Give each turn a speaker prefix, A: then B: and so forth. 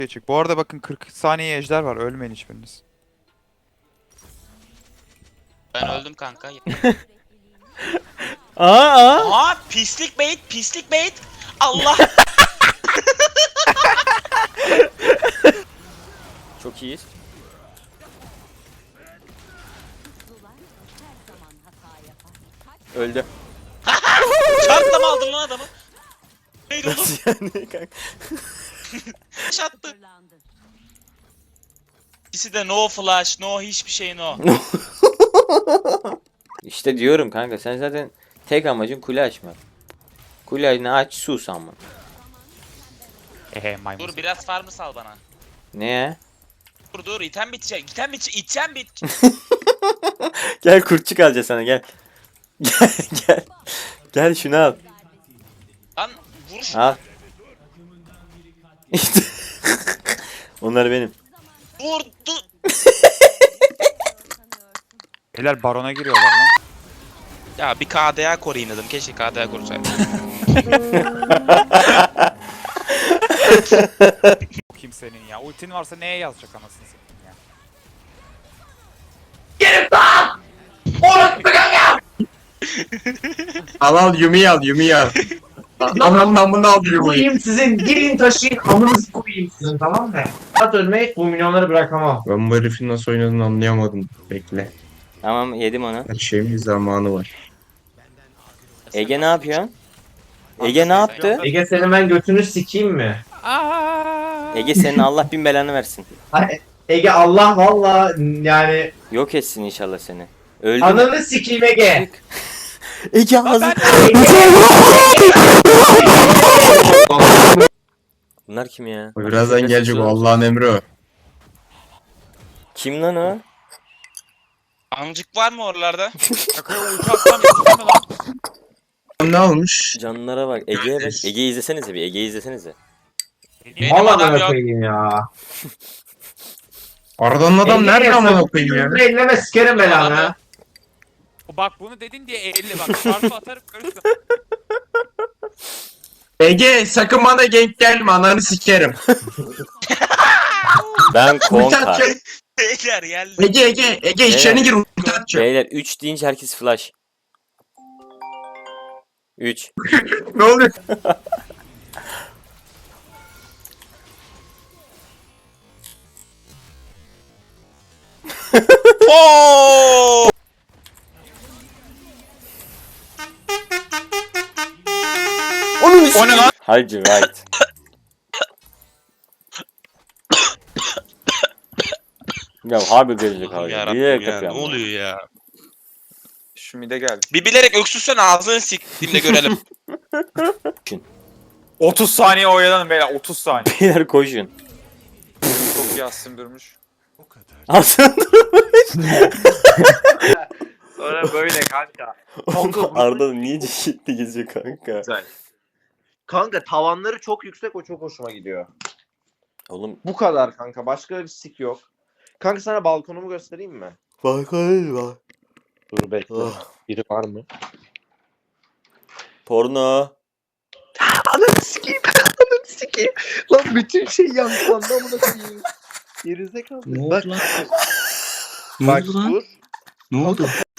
A: Çık. Bu arada bakın 40 saniye ejder var. Ölmeyin hiçbiriniz.
B: Ben öldüm kanka.
C: Aa.
B: Aa pislik bait, pislik bait. Allah.
C: Çok iyiyiz. Öldü.
B: Çarpla mı aldın lan adamı? Hayır oğlum.
C: Yani kanka.
B: Attı. İkisi de no flash, no hiçbir şey no.
C: İşte diyorum kanka, sen zaten tek amacın kule açmak. Kuleni aç, sus ama.
A: Maymun.
B: Dur biraz farmı sal bana.
C: Ne?
B: Dur item bitecek. İtem bitecek. İtem bit.
C: Gel kurtçuk alacağız sana, gel. Gel gel. Gel şunu al.
B: Lan vur şunu.
C: Al. İşte. Onlar benim.
B: Vurdu.
A: Beyler barona giriyorlar lan.
B: Ya bir KDA koruyayım dedim. Keşke KDA korusaydım.
A: Kimsenin ya. Ultin varsa neye yazacak anasını satayım ya.
D: Al Yumi'yi al Yumi'yi al. Anamdan bunu al Yumi'yi.
E: Koyayım sizin, girin taşıyın, amınızı koyayım sizin, tamam mı? At ölmeyi, bu milyonları bırakamam.
D: Ben bu herifin nasıl oynadığını anlayamadım. Bekle.
C: Tamam, yedim onu.
D: Her şeyin bir zamanı var.
C: Ege ne yapıyor? Ege ne yaptı?
E: Ege senin ben götünü sikeyim mi?
C: Ege senin Allah bin belanı versin.
E: Ay, Ege Allah valla yani
C: Yok etsin inşallah seni. Öldüm.
E: ananı sikeyim Ege.
C: Ege ağzı. Bunlar kim ya?
D: Birazdan gelecek o Allah'ın emri o.
C: Kim lan o?
B: Amcık var mı oralarda?
A: Şakaya ulti atsam yetişir mi lan?
D: Ne olmuş?
C: Canlılara bak. Ege'ye bak. Ege'yi izlesenize bir. Ege'yi izlesenize.
B: Benim
E: Valla
B: adam
E: ben
B: yok.
E: koyayım ya.
D: Aradan adam nerede amına koyayım ya?
E: Elleme sikerim belanı.
A: Bak bunu dedin diye 50 bak. Çarpı atarım görürsün.
D: Ege sakın bana gank gelme ananı sikerim.
C: Ben
D: Ulti
C: konka.
D: atacak.
B: Beyler geldi.
D: Ege içeri gir ulti atacak.
C: Beyler 3 deyince herkes flash. 3.
D: Ne oluyor?
B: Oo!
C: O ne lan? Hacı right. Ya harbi gelecek abi.
B: Yarabbim
C: Bilerek
B: ya, ne
C: yapıyorum.
B: oluyor ya?
A: Şu mide geldi.
B: Bir bilerek öksürsen ağzını siktiğimde görelim.
A: 30 saniye oyalanın beyler 30 saniye.
C: Beyler koşun.
A: Çok yassın durmuş.
C: Aslında
E: Sonra böyle kanka.
C: Arda niye ciddi geziyor kanka?
E: Güzel. Kanka tavanları çok yüksek, o çok hoşuma gidiyor.
C: Oğlum
E: Bu kadar kanka, başka bir sik yok. Kanka sana balkonumu göstereyim mi?
C: bak bak.
E: Dur bekle.
C: Oh.
E: Biri var mı?
C: Porno.
E: Ananı sikeyim. Ananı sikeyim. Lan bütün şey yankılandı amına koyayım. Gerizekalı.
F: Ne
E: Bak,
F: oldu lan?
E: bak
F: Ne oldu lan?
E: dur.
F: Ne oldu?